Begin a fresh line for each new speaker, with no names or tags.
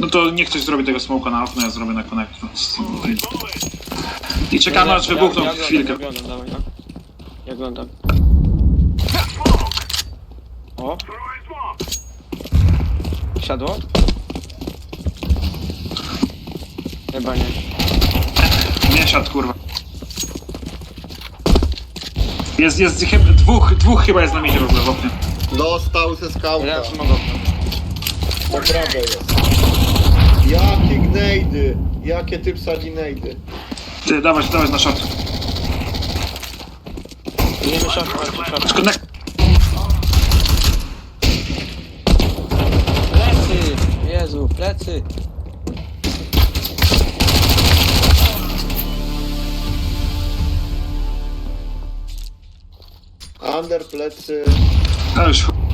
No to niech ktoś zrobi tego smoka na okno, ja zrobię na konektor. I czekamy aż wybuchną chwilkę.
Ja oglądam, dawaj, no. Ja oglądam. O! Siadło? Chyba nie.
Nie siadł, kurwa. Jest chyba, dwóch chyba jest na midzie w ogóle w oknie.
Dostał ze skałka.
Ja mogę.
Po prawej jest. Jakie gnejdy! Jakie ty wsadzi gnejdy?
Ty, dawać na shot.
Nie wyszedł, short.
Konek...
Plecy! Jezu, plecy!
Under plecy.
A już